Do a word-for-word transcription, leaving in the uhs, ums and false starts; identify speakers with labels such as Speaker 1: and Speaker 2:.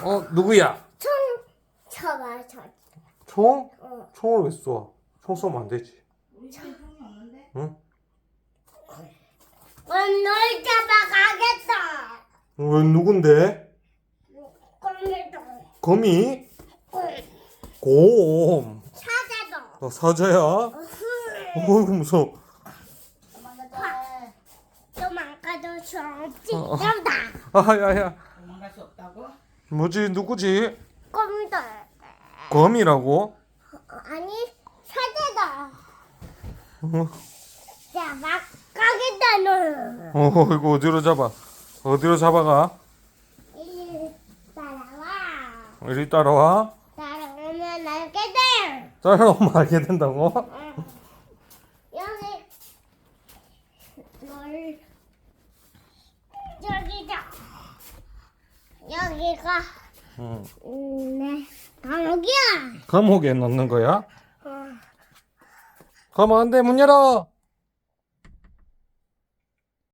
Speaker 1: 어, 누구야?
Speaker 2: 총 쳐봐, 쳐.
Speaker 1: 총?
Speaker 2: 어.
Speaker 1: 총을 왜 쏴? 총 쏘면 안 되지.
Speaker 3: 우리 집에 총이 없는데?
Speaker 1: 응?
Speaker 2: 널 잡아가겠다.
Speaker 1: 왜 누군데?
Speaker 2: 꼼미도.
Speaker 1: 거미? 곰.
Speaker 2: 사자도.
Speaker 1: 어, 사자야? 어이구 무서워.
Speaker 3: 도망가자.
Speaker 2: 도망가도 수없지.
Speaker 1: 어.
Speaker 2: 여기다.
Speaker 1: 아야야.
Speaker 3: 도망갈 수 없다고?
Speaker 1: 뭐지 누구지?
Speaker 2: 꼼미도.
Speaker 1: 거미라고?
Speaker 2: 아니, 사자다.
Speaker 1: 어,
Speaker 2: 자, 막 가겠다, 너.
Speaker 1: 어 이거 어디로 잡아? 어디로 잡아가?
Speaker 2: 이리 따라와.
Speaker 1: 이리 따라와.
Speaker 2: 따라오면 알게 돼.
Speaker 1: 따라오면 알게 된다고?
Speaker 2: 응. 여기 널 여기다. 여기가
Speaker 1: 응.
Speaker 2: 음, 네 감옥이야.
Speaker 1: 감옥에 넣는 거야?
Speaker 2: 어.
Speaker 1: 가면 안 돼, 문 열어.